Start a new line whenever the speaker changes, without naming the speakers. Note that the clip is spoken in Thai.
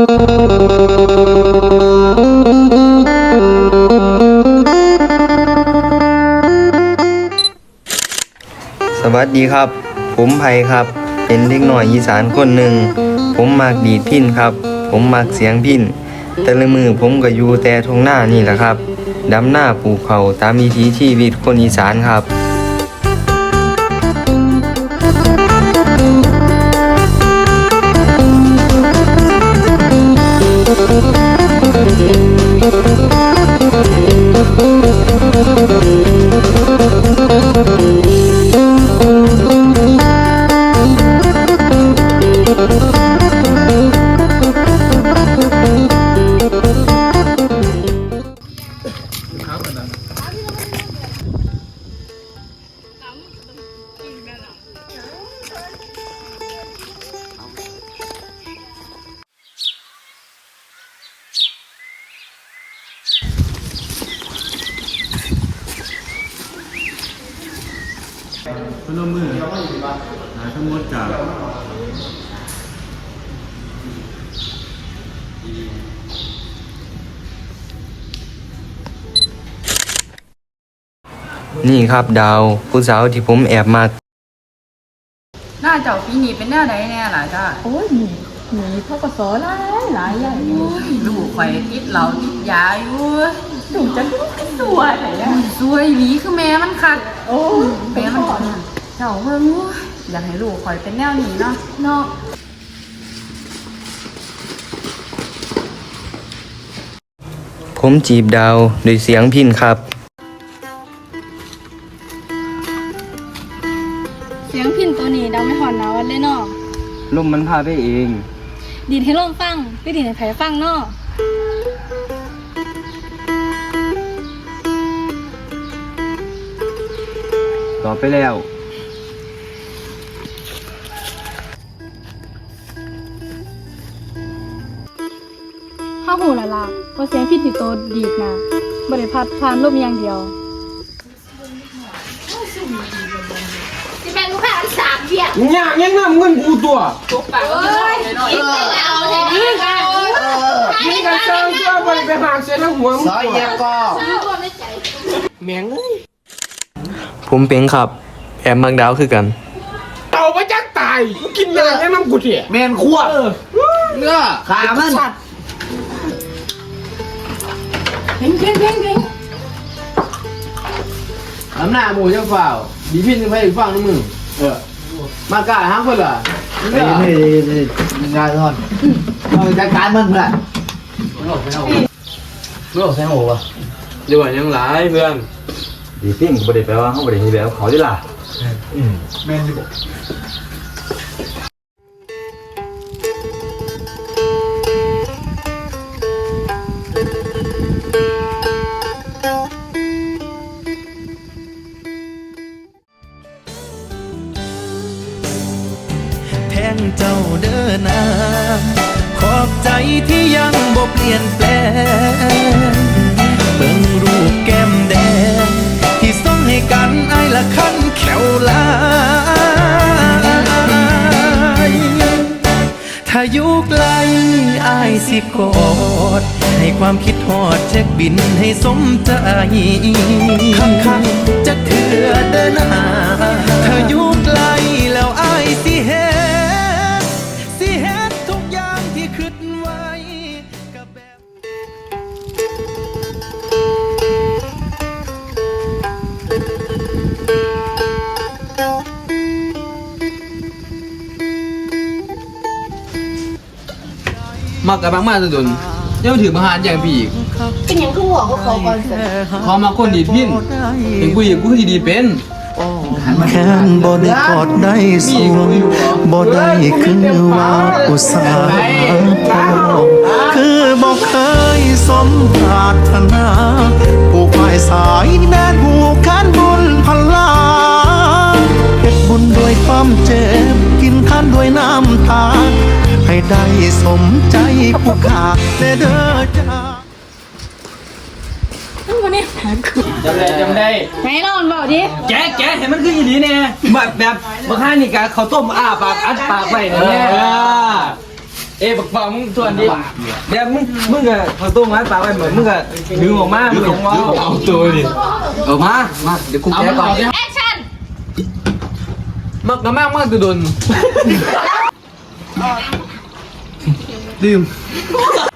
สวัสดีครับผมไผ่ครับเป็นเด็กน้อยอีสานคนหนึ่งผมมักดีดพิณครับผมมักเสียงพิณแต่ละมือผมก็อยู่แต่ทงหน้านี่แหละครับดำหน้าปลูกเขาตามวิถีชีวิตคนอีสานครับ
พนมมือหาทั้งหมดจาก
นี่ครับดาวผู้สาวที่ผมแอบมา
หน้าเจ้าปีนี้เป็นแนวใดแน่ล่ะจ้า
โอ้ยหนีพ่อกสหลายใหญ่เลย
ลูกข่อยติดเหล้าติดยาอยู่
ถูกจะสวยไหนอะ
สวยหลีคือแม่มันคัก
โอ้
แม่มันเจ้าเบิ่งอยากให้ลูกข่อยเป็นแนวนี้เนาะ
เนาะ
ผมจีบดาวด้วยเสียงพิณครับ
เสียงพินตัวนี้ดังไม่หอนหนาวันเลยเนาะ
ลมมันพาไปเอง
ดีดให้ลมฟังไม่ดีดให้ไผฟังเนาะ
ต่อไปแล้ว
ห้าหูละล่ะว่าเสียงพินที่โตดีดนะบริพัดผ่านลมอย่างเดียว
ยากยังน้ำเงินกูตัวนี่กันเชิงตัวไปหาเสียทั้งหัวมึงแมงเอ้ย
ผมเป็นครับแอบมักดาวคือกัน
เต่าไปจักตายมึงกินยายังน้ำกูเถี่ย
แมนขั้วเนื้อขามัน
เพ่ง
น้ำหน้าหมูจะฝ่าวดีพินจะไปอีกฝั่งนึงมึงมากล้าห้างคนเหรอเฮ้ยงานทอนเราจัดการมันเพื่อนโลกใส่หัว
เดี๋ยวยังหลายเพื่อน
ดีพิณบ่ได้แปลว่าเขาบ่ได้ให้แบบเขาดิล่ะ
แมนที่บอก
แทนเจ้าเดินนาขอบใจที่ยังบ่เปลี่ยนแปลงเบิ่งรูปแก้มแดงที่ส่งให้กันไอ้ละคันแขวลายถ้าอยู่ไกลไอ้สิกอดให้ความคิดฮอดเช็คบินให้สมใจคักๆจะเถื่อเดินหน้าถ้าอยู่ไกลแล้วไอ้สิเฮ็ดทุกอย่างที่คิดไว้กับแบบ
มักกับบางมาสะดุนยังถือมาหารอย่างพี่อีก
เป็นอย่างคือหัวเขาก่อนเสร็จ
พอมาคนดีดพินเห็นกูอีกกูที่ดีเป็น
แค้นบ่ได้กอดได้สวงบ่ได้คือว่าอุตสาห์พอคือบ่เคยสมปรารถนาผูกไม้สายแม่นผูกแขนบุญพลาเฮ็ดบุญด้วยความเจ็บกินข้านด้วยน้ำตาให้ได้สมใจผู้ขาแน่เด้อจ้า
วันนี้
จำได้
ไหนนอนเบาดิ
แกเห็นมันคืออย่างนี้เนี่ยแบบบางท่านนี่กะเขาต้มอ้าปากอัดปากไปเนี่ย
บักฟังมึงทวนดิเดี๋ยวมึงก็เอาตัวมาปากไว้เหมือนมึงก็ดึงออกมามึงยังว่าเอาตัวดิออกมาเดี๋ยวกูแก้ก่อนแอคชั่นมากโดนดื่ม